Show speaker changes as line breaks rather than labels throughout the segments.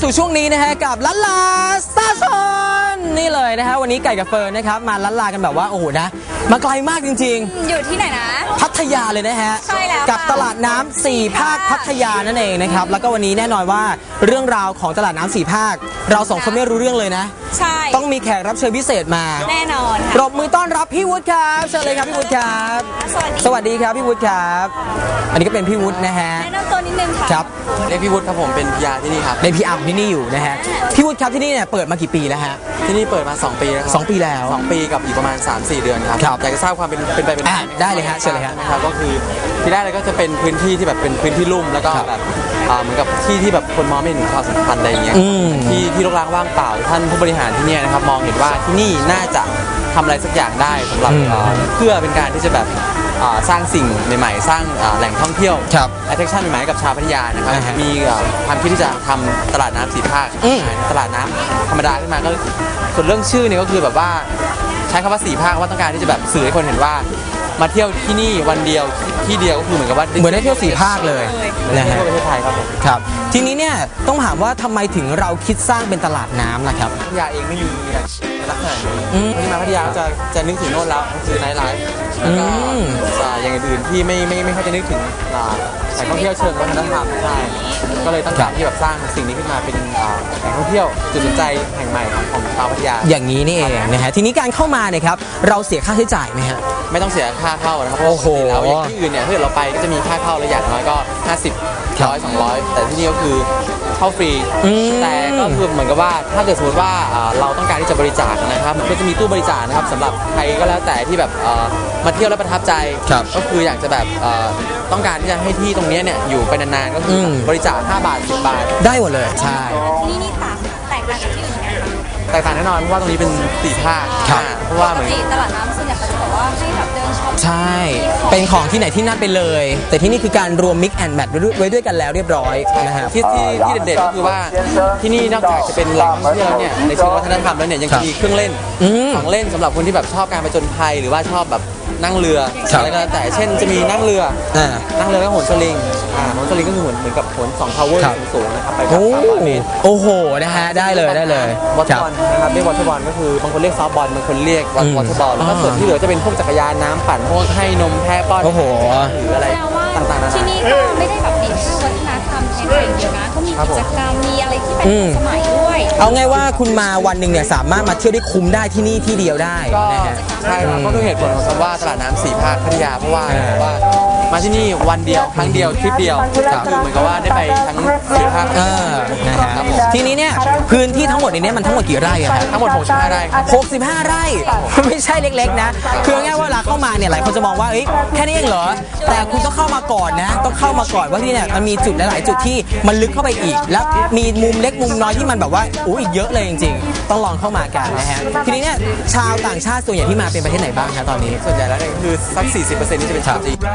สู่ช่วงนี้นะฮะกับลันลาสตาร์ชอนนี่เลยนะฮะวันนี้ไก่กับเฟิร์นนะครับมาลันลากันแบบว่าโอ้โหนะมาไกลมากจริง
ๆอยู่ที่ไหนนะ
พัทยาเลยนะฮะ
ใช่แล้ว
กับตลาดน้ำ4 ภาคพัทยานั่นเองนะครับแล้วก็วันนี้แน่นอนว่าเรื่องราวของตลาดน้ำ4 ภาคเรา2 คนไม่รู้เรื่องเลยนะ
ใช่
ต้องมีแขกรับเชิญพิเศษมา
แน่นอน
ปรบมือต้อนรับพี่วุฒิครับเชิญเลยครับพี่วุฒิครับสวัสดีครับพี่วุฒิครับอันนี้ก็เป็นพี่วุฒินะฮะ
แนะนำตัวนิดนึงค่ะ
ครับ
เรียกพี่วุฒิครับผมเป็นพีอาร์ที่นี่ครับ
ในพีอาร์ที่นี่อยู่นะฮะพี่วุฒิครับที่นี่เนี่ยเปิดมากี่ปีแล้วฮะ
ที่นี่เปิดมา2 ปีแล้วครับ
2 ปีแล้ว
2 ปีกับอีกประมาณ 3-4 เดือนครับอยากจะทราบความเป็นไปเป็นมา
ได้เลยฮะเชิญเลยฮะ
ครับก็คือที่แรกเลยก็จะเป็นพื้นที่ที่แบบเป็นพื้นที่ลุ่มแล้วก็แบบเหมือนกับที่แบบคนมองไม่เห็นความสำคัญอะไรอย่างเงี้ยที่รกร้างว่างเปล่าท่านผู้บริหารที่นี่นะครับมองเห็นว่าที่นี่น่าจะทำอะไรสักอย่างได้สำหรับเพื่อเป็นการที่จะแบบสร้างสิ่งใหม่ๆสร้างแหล่งท่องเที่ยวattraction ใหม่ๆกับชาวพัทยานะครับมีความคิดที่จะทำตลาดน้ำ4 ภาคตลาดน้ำธรรมดาขึ้นมาก็ส่วนเรื่องชื่อเนี่ยก็คือแบบว่าใช้คำว่า4 ภาคว่าต้องการที่จะแบบสื่อให้คนเห็นว่ามาเที่ยวที่นี่วันเดียวที่เดียวก็คือเหมือนกับว่า
เหมือนได้เที่ยว4 ภาคเลย
นะฮะทั่วประเทศไทยครับผม
ครับทีนี้เนี่ยต้องถามว่าทำไมถึงเราคิดสร้างเป็นตลาดน้ำล่ะครับ
พัทยาเองไม่มีลักษณะนี้ที่มาพัทยาจะนึกถึงโน่นแล้วคือไนท์ไลฟ์แล้วก็อย่างอื่นที่ไม่ค่อยจะนึกถึงแหล่งท่องเที่ยวเชิงวัฒนธรรมใช่ก็เลยต้องการที่แบบสร้างสิ่งนี้ขึ้นมาเป็นแหล่งท่องเที่ยวจุดสนใจแห่งใหม่ของชาวพัทยา
อย่างนี้นี่เองนะฮะทีนี้การเข้ามาเนี่ยครับเราเสียค่าใช้จ่ายไหมฮะ
ไม่ต้องเสียค่าเข้านะครับโอ้โหแล้วอย่างที่อื่นเนี่ยถ้าเราไปก็จะมีค่าเข้าระยะน้อยก็50 100 200แต่ที่นี่ก็คือเข้าฟรีแต่ก็คือเหมือนกับว่าถ้าเกิดสมมติว่าเราต้องการที่จะบริจาคนะครับก็จะมีตู้บริจาคนะครับสำหรับใครก็แล้วแต่ที่แบบมาเที่ยวแล้วประทับใจก็คืออยากจะแบบต้องการที่จะให้ที่ตรงนี้เนี่ยอยู่ไปนานๆก็คือบริจาค5 บาท 10 บาท
ได้หมดเลยใช่
ที่นี่แตกต่างจากที่อื่น
แตกต่างแน่นอนเพราะว่าตรงนี้เป็น4 ภาคเพราะว่าเหมือน
ตลาดน้ำส่วนใหญ่เขาจะบอกว่าให้แบบเดินช็อป
ใช่เป็นของที่ไหนที่นั่นไปเลยแต่ที่นี่คือการรวม mix and match ไว้ด้วยกันแล้วเรียบร้อยนะฮะ
ที่เด่นๆก็คือว่าที่นี่นอกจากจะเป็นแหล่งท่องเที่ยวแล้วเนี่ยในเชิงวัฒนธรรมแล้วเนี่ยยังมีเครื่องเล่นของเล่นสำหรับคนที่แบบชอบการผจญภัยหรือว่าชอบแบบนั่งเรืออะไรก็แล้วแต่เช่นจะมีนั่งเรือก็โหนสลิงก็คือเหมือนกับโหน2 ทาวเวอร์สูงๆนะครับไปแบบ300 เมตร
โอ้โหนะฮะได้เลยว
อเตอร์บอลนะครับเรียกวอเตอร์บอลก็คือบางคนเรียกซอฟต์บอลบางคนเรียกวอเตอร์บอลแล้วก็ส่วนที่เหลือจะเป็นพวกจักรยานน้ำปั่นพวกให้นมแพะป้อนหรืออะไรต่างๆ
ที่นี่ก็ไม่ได้แบบติดแค่วัฒนธรรมไทยอย่างเดียวนะเขามีกิจกรรมมีอะไรที่เป็นสมัยด้วย
เอาไงว่าคุณมาวันหนึ่งเนี่ยสามารถมาเที่ยวได้คุ้มได้ที่นี่ที่เดียวได้นะฮะ
ใช่ครับก็คือเหตุผลของคำว่าตลาดน้ำ4 ภาคพัทยาเพราะว่ามาที่นี่วันเดียวครั้งเดียวทริปเดียวคือเหมือนกับว่าได้ไปทั้ง4 ภาค
นะครับทีนี้เนี่ยพื้นที่ทั้งหมดนี้มันทั้งหมดกี่ไร่อะครับ
ทั้งหมด65 ไร่
65 ไร่ไม่ใช่เล็กๆนะคือง่ายว่าเวลาเข้ามาเนี่ยหลายคนจะมองว่าแค่นี้เองเหรอแต่คุณต้องเข้ามาก่อนนะต้องเข้ามาก่อนว่าที่เนี่ยมันมีจุดหลายๆจุดที่มันลึกเข้าไปอีกแล้วมีมุมเล็กมุมน้อยที่มันแบบว่าอีกเยอะเลยจริงๆต้องลองเข้ามากันนะฮะทีนี้เนี่ยชาวต่างชาติส่วนใหญ่ที่มาเป็นประเทศไหนบ้างครับตอนนี้
ส่วนใหญ่แล้วเนี่ยคือสัก 40% นี่จะเป็นชาวจีน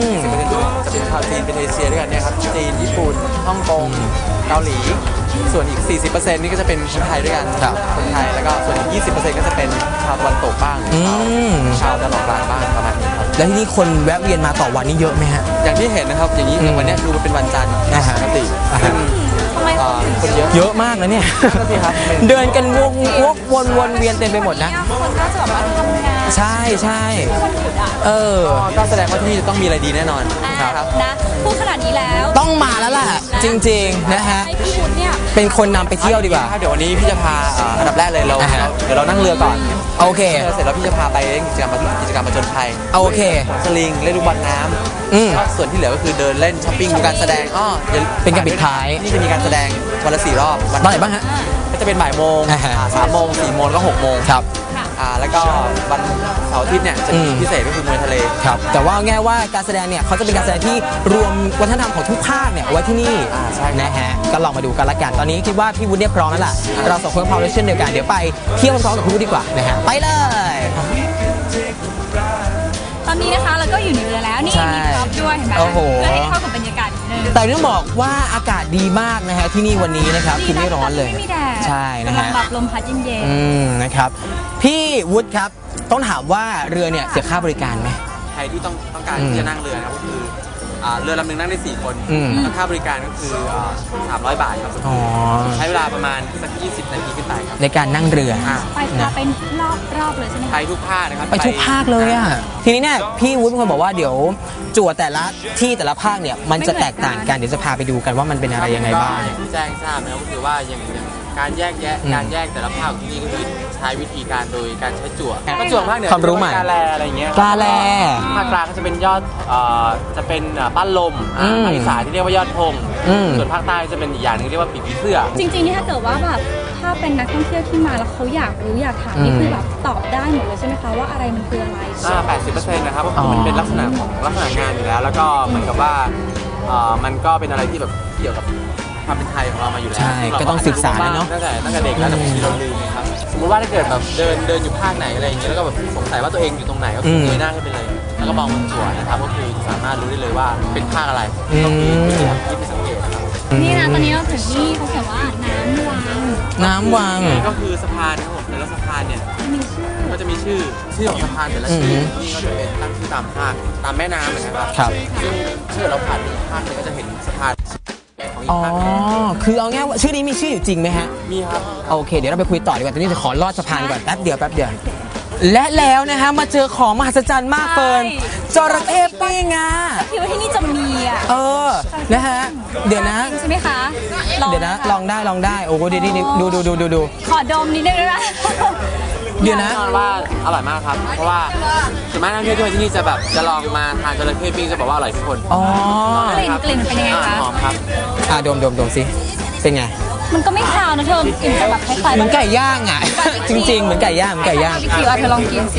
40%จะเป็นชาวจีนเป็นเอเชียด้วยกันเนี่ยครับจีนญี่ปุ่นฮ่องกงเกาหลีส่วนอีก 40% นี่ก็จะเป็นคนไทยด้วยกันคนไทยแล้วก็ส่วนอีก 20% ก็จะเป็นชาวตะวันตกบ้างชาวตะวันออกกลางบ้างประมาณนี้ครับ
แล้วที่นี่คนแวะเวียนมาต่อวันนี้เยอะไหมฮะ
อย่างที่เห็นนะครับอย่างนี้วันนี้ดูมันเป็นวันจันทร์ปกติ
คนเยอะมากนะเนี่ยเดินกันวนเวียนเต็มไปหมดนะ
คนก็จะแบบว่าทำงาน
ใช่
ก็แสดงว่าที่นี่จะต้องมีอะไรดีแน่นอน
ครับนะพูดขนาดนี้แล้ว
ต้องมาแล้วล่ะจริงๆนะฮะ
ให้พี่วุฒิเนี่ย
เป็นคนนำไปเที่ยวดีกว่า
เดี๋ยววันนี้พี่จะพาอันดับแรกเลยเดี๋ยวเรานั่งเรือก่อน
โอเค
เสร็จแล้วพี่จะพาไปเล่นกิจกรรมผจญภัย
โอเค
สลิงเล่นลูกบอลน้ำส่วนที่เหลือก็คือเดินเล่นช้อปปิ้งดูการแสดง
เป็นการปิดท้าย
นี่จะมีการแสดงวันละ4 รอบ
วันไหนบ้างฮะ
ก็จะเป็นบ่ายโมง3 โมง4 โมงแล้วก็6 โมง
ครับ
แล้วก็วันเสาร์อาทิตย์เนี่ยจะมีพิเศษก็คือมวยทะเล
ครับแต่ว่าง่ายว่าการแสดงเนี่ยเขาจะเป็นการแสดงที่รวมวัฒนธรรมของทุกภาคเนี่ยไว้ที่นี่นะฮะก็ลองมาดูกันละกันตอนนี้คิดว่าพี่วุฒิเนี่ยพร้อมแล้วล่ะเรา2 คนพร้อมแล้วเช่นเดียวกันเดี๋ยวไปเที่ยวพร้อมกับพี่วุฒิดีกว่านะฮะไปเลย
ตอนนี้นะคะเราก็อยู่ในเรือแล้วนี่มีพร็อพด้วยเห็นไหมเพื่อให้เข้ากับบรรยากาศนิดนึง
แต่ต้องบอกว่าอากาศดีมากนะฮะที่นี่วันนี้นะครับคือไม่ร้อนเลยใช่นะฮะ
แบบลมพัดเย็น
ๆนะครับพี่วุฒิครับต้องถามว่าเรือเนี่ยเสียค่าบริการไหม
ใครที่ต้องการที่จะนั่งเรือนะครับก็คือเรือลำหนึงนั่งได้4 คน
อืม
แล้วค่าบริการก็คือ300 บาทครับ
อ๋อ
ใช้เวลาประมาณสัก20 นาทีขึ้นไปครับ
ในการนั่งเรือ
ไปพาเป็นรอบเลยใช่ไหม
ไป
คะ
ทุกภาคนะครับ
ไปทุกภาคเลยอ่ะ ทีนี้เนี่ยพี่วุฒิเป็นคนบอกว่าเดี๋ยวจั่วแต่ละที่แต่ละภาคเนี่ยมันจะแตกต่างกัน เดี๋ยวจะพาไปดูกันว่ามันเป็นอะไรยังไงบ้าง
อย่างที่แจ้งทราบนะครับก็คือว่าอย่างการแยกแยะ
อืม
การแยกแต่ละภาคของที่นี่ก็คือใช้วิธีการโดยการใช้จั่วก็จั่วภาคเหนือ
ความรู้ใหม่
กาแลอะไรอย่างเงี้ย
กาแล
ภาคกลางก็จะเป็นยอดจะเป็นปั้นลม
อืม
ภาคอีสานที่เรียกว่ายอดธง
อืม
ส่วนภาคใต้จะเป็นอีกอย่างหนึงเรียกว่าปีกผีเสื้อ
จริงๆนี่ถ้าเกิดว่าแบบถ้าเป็นนักท่องเที่ยวที่มาแล้วเขาอยากรู้อยากถามนี่คือแบบตอบได้หมดเลยใช่ไหมคะว่าอะไรมันคืออะไร
80%นะครับก็คือมันเป็นลักษณะของลักษณะงานอยู่แล้ว แล้วก็เหมือนกับว่ามันก็เป็นอะไรที่แบบเกี่ยวกับความเป็นไทยของเรามาอยู่แล้ว
ใช่ก็ต้องศึกษานะเนอะ
ตั้งแต่เด็กแล้วแต่บางทีเราลืมนะครับสมมติว่าถ้าเกิดแบบเดินอยู่ภาคไหนอะไรอย่างเงี้ยแล้วก็แบบสงสัยว่าตัวเองอยู่ตรงไหนก็คือเงยหน้าขึ้นไปเลย แล้วก็มองบนจั่วนะครับก็คือสามารถรู้ได้เลยว่าเป็นภาคอะไรก็คือที่ไปสังเกตนะครับ
นี่นะตอนนี้เราถึงที่เขาเขียนว่าน้ำวัง
น้ำวัง
ก็คือสะพานนะครับผมแต่ละสะพานเนี่ย
มีชื่อ
ก็จะมีชื่อของสะพานแต่ละชื่อนี่ก็จะเป็นตั้งชื่อตามภาคตามแม่น้ำนะครับ
ครับ
ซึ่งถ้าเกิดเราผ่านอีกภาคหนึงก็จะเห็นสะพานของอี
อ๋
ก
อ
ภาคหนึ่ง
คือเอาง่ายว่าชื่อนี้มีชื่ออยู่จริงไหมฮะ
มีครับ
โอเค เดี๋ยวเราไปคุยต่อดีกว่า ตอนนี้จะขอลอดสะพานก่อนแป๊บเดียวแป๊บเดียว และแล้วนะฮะมาเจอของมหัศจรรย์มากเฟิร์นจระเข้ปิ้งอ่ะ
คิดว่าที่นี่จะมีอ่ะ
เออ นะฮะ เดี๋ยวนะ
ใช่ไหมคะ
เดี๋ยวนะ ลองได้ลองได้ โอ้โหดีดู
ขอดมนิดนึงนะ
เดี๋ยวนะ
แน่นอนว่าอร่อยมากครับ เพราะว่าส่วนมากนักท่องเที่ยวที่มาที่นี่จะแบบจะลองมาทานจระเข้ปิ้งจะบอกว่าอร่อยทุกคน
อ๋อ
กลิ่นเป็นยังไงคะ
หอมครับ
ดมสิ เป็นไง
มันก็ไม่คาวนะเธอกลิ่นจะแบบคล้ายๆ
เหมือนไก่ย่างอ่ะ จริง ๆ เหมือนไก่ย่าง
บาร์บีคิวอ่ะเธอลองกินสิ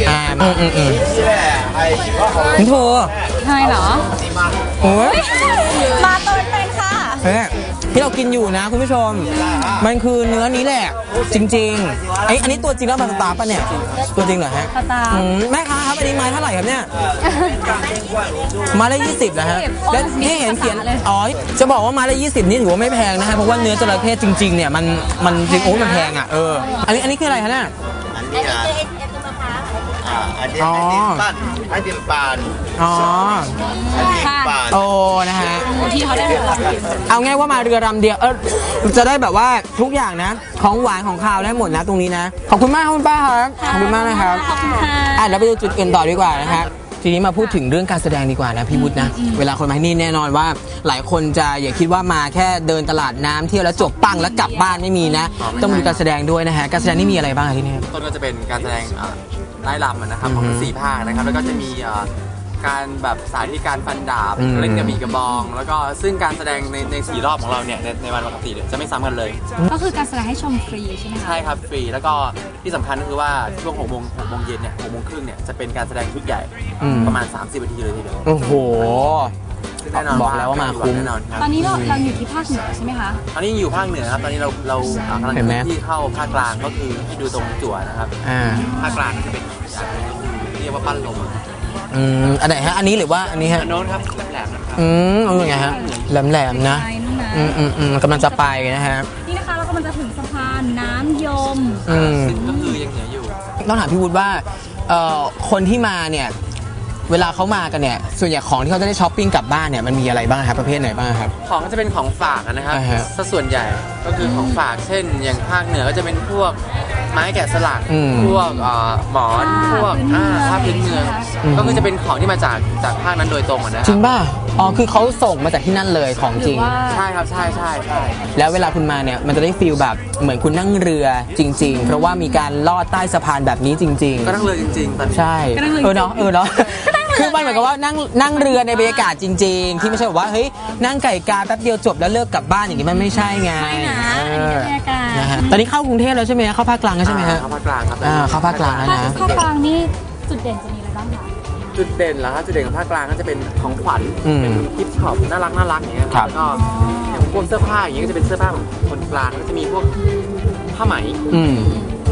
คุณโทร
ใช่เหรอ
โอ้ย
มาตัวเป็นค่ะ
เฮ้ยที่เรากินอยู่นะคุณผู้ชม มันคือเนื้อนี้แหละ จริงๆอันนี้ตัวจริงแล้วมาสตาร์ป่ะเนี่ย ตัวจริงเหรอฮะ
สตาร์
แม่ค้าครับอันนี้ไม้เท่าไหร่ครับเนี่ยไม้ละ20นะฮะแล้วนี่เห็นเขียนอ๋อจะบอกว่าไม้ละ20นี่ถือว่าไม่แพงนะฮะเพราะว่าเนื้อจระเข้จริงๆเนี่ยมันจริงโอ้มันแพงอ่ะอันนี้คืออะไรคะเนี่ย
อันนี้อันนี้ไอติมปั้น
อ๋อ
ไอติมปั้น
โอ้นะฮะ
ที่เขาได้เลยลองกิน
เอาง่ายว่ามาเรือลำเดียวจะได้แบบว่าทุกอย่างนะ ของหวานของคาวได้หมดนะตรงนี้นะ ขอบคุณมากครับคุณป้าครับขอบคุณมากนะครับ
ขอบคุณค่ะ
แล้วไปดูจุดอื่นต่อดีกว่านะฮะทีนี้มาพูดถึงเรื่องการแสดงดีกว่านะพี่วุฒินะเวลาคนมาที่นี่แน่นอนว่า หลายคนจะอย่าคิดว่ามาแค่เดินตลาดน้ำเที่ยวแล้วจบปังแล้วกลับบ้านไม่มีนะ ต้องมีการแสดงด้วยนะฮะการแสดงนี่มีอะไรบ้างที่นี่
ต้นก็จะเป็นการแสดงไล่ลำนะครับของทั้ง4 ภาคนะครับแล้วก็จะมีการแบบสาธิตการฟันดาบเล่นกระบี่กระบอง แล้วก็ซึ่งการแสดงใน4 รอบของเราเนี่ยในวันปกติเนี่ยจะไม่ซ้ำกันเลย
ก็คือการแสดงให้ชมฟรีใช่ไหมคะ
ใช่ครับฟรีแล้วก็ที่สำคัญก็คือว่าช่วง6 โมงเย็นเนี่ย6 โมงครึ่งเนี่ยจะเป็นการแสดงชุดใหญ่ประมาณ30 นาทีเลยทีเดียว
โอ้โห
ซึ่งแน่นอน
บอกแล้วว่ามาคุ้ม
แน่นอนครับ
ตอนนี้เราอยู่ที่ภาคเหนือใช่ไหมคะ
ตอนนี้อยู่ภาคเหนือครับตอนนี้เรากำลัง
เห็นไหม
ที่เข้าภาคกลางก็คือที่ดูตรงจั่วนะครับ ภาคกลางก็จะเป็นอย่างหนึงก็คือเรียกว่าปั้นลม
อันไหนฮะอันนี้หรือว่าอันนี้ฮะ
อันโน้นครับแหลมๆนะครับ
ไงฮะแหลมๆนะ
ใช่นู่นนะ
กำลังจะไปนะฮะ
นี่นะคะเรากำลังจะถึงสะพานน้ำยม
ซึ่งก็คือยังเหนืออยู่
ต้องถามพี่วุฒิว่าคนที่มาเนี่ยเวลาเขามากันเนี่ยส่วนใหญ่ของที่เขาจะได้ช้อปปิ้งกลับบ้านเนี่ยมันมีอะไรบ้างครับประเภทไหนบ้างครับ
ของก็จะเป็นของฝากนะครับ
อ่าฮะ
สัดส่วนใหญ่ก็คือของฝากเช่น อย่างภาคเหนือก็จะเป็นพวกไม้แกะสลัก พวกหมอนพวกผ้าพื้นเมืองก็คือจะเป็นของที่มาจากภาคนั้นโดยตรงนะค
จริ
รั
งป่ะอ๋อคือเขาส่งมาจากที่นั่นเลยของ
ห
จ
รื
ริ
อง ว่า
ใช่ครับใช่
แล้วเวลาคุณมาเนี่ยมันจะได้ฟีลแบบเหมือนคุณนั่งเรือจริง ๆ เพราะว่ามีการลอดใต้สะพานแบบนี้จริง
ก็นั่งเรือจริงๆตอนนี้
ใช่
ก็นั่งเรือ
เนาะคือมันเหมือนกับว่านั่งเรือในบรรยากาศจริง ๆ ที่ไม่ใช่แบบว่าเฮ้ยนั่งไก่กาแป๊บเดียวจบแล้วเลิกกลับบ้านอย่างนี้มันไม่ใช่ไง
ไม่นะอันนี้บรรยากาศ
นะฮะตอนนี้เข้ากรุงเทพแล้วใช่ไหมเข้าภาคกลางแล้วใช่ไหมฮะ
เข้าภาคกลางครับ
เข้าภาคกลางแล้ว
ภาค
นะ
ภาคกลางนี่จุดเด่นจะมีอะไรบ้างคะ
จุดเด่นเหรอครับจุดเด่นของภาคกลางก็จะเป็นของขวัญเป็นกิฟต์ช็อปน่ารักอย่างเงี้ย
ครับ
แล้วก็อย่างพวกเสื้อผ้าอย่างเงี้ยก็จะเป็นเสื้อผ้าของคนกลางก็จะมีพวกผ้าไหม
อืม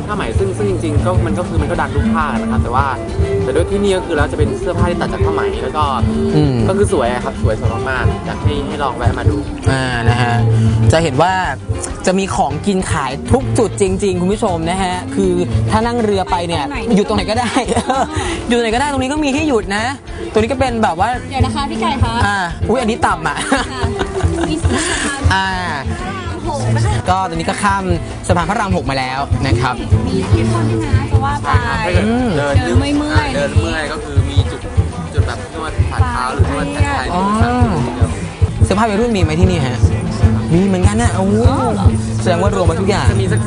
ผ้าไหมซึ่งจริงๆก็มันก็ดันทุกผ้านะครับแต่ด้วยที่นี่ก็คือเราจะเป็นเสื้อผ้าที่ตัดจากผ้าไหมแล้วก็ก็คือสวยครับสวยมากๆอยากให้ลองแวะมาดู
นะฮะจะเห็นว่าจะมีของกินขายทุกจุดจริงๆคุณผู้ชมนะฮะคือถ้านั่งเรือไปเนี่ยหยุดตรงไหนก็ได้ หยุดตรงไหนก็ได้ตรงนี้ก็มีที่หยุดนะตัวนี้ก็เป็นแบบว่า
เดี๋ยวนะคะพี่ไก่คะ
อุ้ยอันนี้ต่ำอ่ะ
มีสะพาน
ก็ตอนนี้ก็ข้ามสะพานพระราม 6มาแล้วนะครับ
มีที่คนที่นะจะว่าไปเดินไม่เมื่อย
ก็คือมีจุดแบบนวดฝ่าเท้าหรือนวดแขนไทย
เสื้อผ้าวัยรุ่นมีไหมที่นี่ฮะมีเหมือนกันนะโอ้แสดงว่ารวมมาทุกอย่าง
จะมีสัก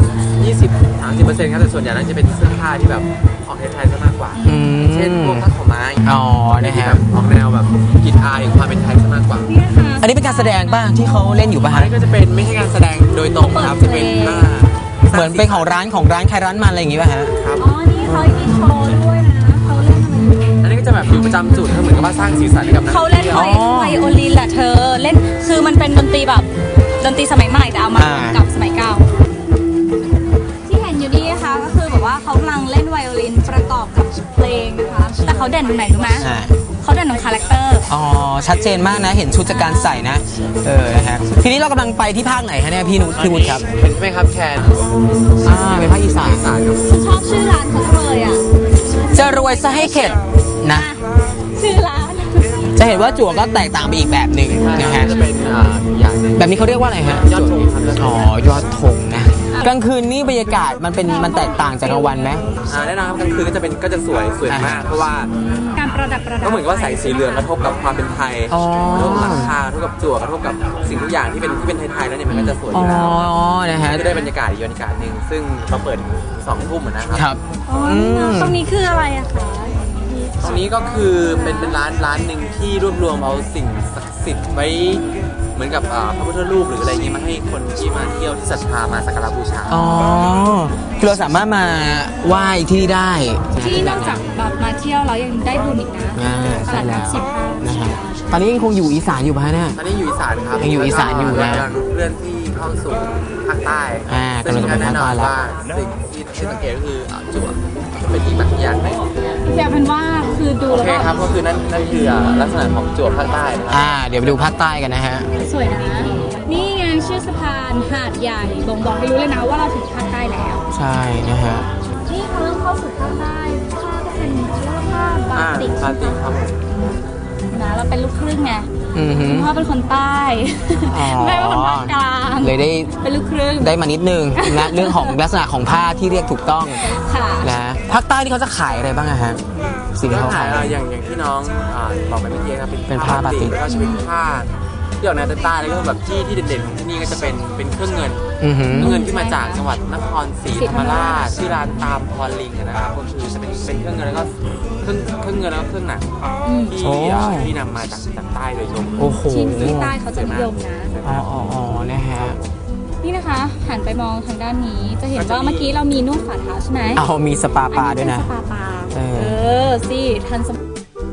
20-30%ครับแต่ส่วนใหญ่นั้นจะเป็นเสื้อผ้าที่แบบออกไทยๆซะมากกว่าเช่นพวกผ้าขาวม้า
นะครับ
ออกแนวแบบกลิ่นอายของความเป็นไทยซะมากกว่า
อันนี้เป็นการแสดงป่ะที่เขาเล่นอยู่ป่ะฮะ
ก็จะเป็นไม่ใช่การแสดงโดยตรงครับจะเป็น
เหมือนเป็นของร้านใครร้านมันอะไรอย่างงี้ป่ะฮะ
ครับนี่เขามีโชว์ด้วยนะเขาเล่น
อันนี้ก็จะแบบอยู่ประจำจุดเหมือนกับว่าสร้างสีสันให้กับ
เขาเล่นไวโอลินแหละเธอเล่นคือมันเป็นดนตรีแบบดนตรีสมัยใหม่แต่เอามากับสมัยเก่าที่เห็นอยู่นี่นะคะก็คือแบบว่าเขากำลังเล่นไวโอลินประกอบกับเพลงนะคะแต่เขาเด่นตรงไหนรู้ไหมเขาเด่นตรงคาแรคเตอร์
ชัดเจนมากนะเห็นชุดจากการใส่นะนะฮะทีนี้เรากำลังไปที่ภาคไหนคะเนี่ยพี่วุฒิครับ
เป็นไหมครับแคน
เป็นภาคอีสาน
ฉันชอบชื่อร้านเขาเลยอ่ะ
จะรวยซะให้เข็ดนะ
ชื่อร้าน
จะเห็นว่าจั่วก็แตกต่างไปอีกแบบหนึ่งนะฮะ
จะเป็นอย่าง
แบบนี้เขาเรียกว่าอะไรฮะ
ยอดธงครับ
ยอดธงนะกลางคืนนี่บรรยากาศมันแตกต่างจากกลางวันไหม
แน่นอนครับกลางคืนก็จะสวยมากเพราะว่า
การประดับ
ก็เหมือนกับว่าแสงสีเหลืองกระทบกับความเป็นไทยกระทบกับหลังคากระทบกับจั่วกระทบกับสิ่งทุกอย่างที่เป็นไทยๆแล้วเนี่ยมันก็จะสวยอยู่แล้ว
นะฮะ
จะได้บรรยากาศอีกบรรยากาศหนึ่งซึ่งเราเปิด2 ทุ่มนะครับ
ตรงนี้คืออะไรอะคะ
ตรงนี้ก็คือเป็นร้านหนึ่งที่รวบรวมเอาสิ่งศักดิ์สิทธิ์ไว้เหมือนกับพระพุทธรูปหรืออะไรเงี้ยมาให้คนที่มาเที่ยวที่ศรัทธามาสักการะบูชา
คือเราสามารถมาไหว้ที่นี่ได้
ที่นอกจากแบบมาเที่ยวแล้วยังได้บุญอีกนะตลาดน้ำชิม
นะฮะตอนนี้ยังคงอยู่อีสานอยู่ป่ะเนี่ย
ตอนนี้อยู่อีสานครับ
ยังอยู่อีสานอยู่นะ
เลื่อนที่เข้าสู่ภาคใต้
ซึ่งแน่นอน
ว่าสิ่งที่สังเกตก็คือจั่วเป็นอีกแบบอย่างหนึ่ง
แต่เป็นว่าคือดูแล้ว
ครับก็คือนั่นคือลักษณะของจั่วภาคใต้
เดี๋ยวไปดูภาคใต้กันนะฮะ
สวยนะนี่ไงชื่อสะพานหาดใหญ่บ่งบอกให้รู้เลยนะว่าเราถึงภาคใต้แล้ว
ใช่นะฮะ
นี่เขาเริ่มเข้าสู่ภาคใต้ผ้าก็เป็นผ้าบาติก
ครับ
นะเราเป็นลูกครึ่งไงคุณพ่อเป็นคนใต้แม่เป็นคนภาคกลาง
เลยได้
เป็นลูกครึ่ง
ได้มานิดนึงนะเรื่องของลักษณะของผ้าที่เรียกถูกต้องนะภาคใต้ที่เขาจะขายอะไรบ้างฮะ
สิ่งที่เขาขายอย่างที่น้องบอกไปเมื่อกี้ครับ
เป็นผ้าบาติก
แล้วก็จะเป็นผ้าที่ออกแนวใต้แล้วก็แบบที่เด่นๆของที่นี่ก็จะเป็นเครื่องเงินที่มาจากจังหวัดนครศรีธรรมราชชื่อร้านตามพรลิงนะครับก็คือจะเป็นเครื่องเงินแล้วก็เครื่องเงินแล้วก็เครื่องหนังที่นำมาจากใต้โดยตรง
ชิ้นที่ใต้เขาจะนิยมนะ
นะฮะ
นี่นะคะหันไปมองทางด้านนี้จะเห็นว่าเมื่อกี้เรามีนวดฝ่าเท้าใช่ไหม
มีสปาปลาด้วยนะ
สปาปลาสิทันสมัย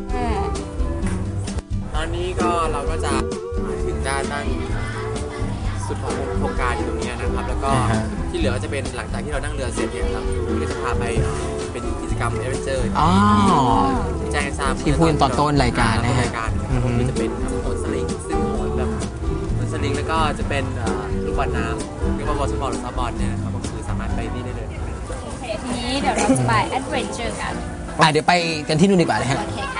ตอนนี้ก็เราก็จะถึงด้านสุดของโครงการอยู่ตรงนี้นะครับแล้วก็ที่เหลือจะเป็นหลังจากที่เรานั่งเรือเสร็จเนี่ยครับเราจะพาไปเป็นกิจกรรมเอเวนเจอร์ที่แจ้งทราบ
ที่พูดตอนต้นรายการนะฮะ
ก็จะเป็นโหนสลิงซึ่งโหนแบบโหนสลิงแล้วก็จะเป็นลูกบอลน้ำเรียกว่าวอลเลย์บอลหรือซอฟต์บอลเนี่ยนะครับก็คือสามารถไปนี่ได้เลย
โอเคทีนี้เดี๋ยวเราจะไปแอดเวนเจอร์กัน
เดี๋ยวไปกันที่นู่นดีกว่านะฮะ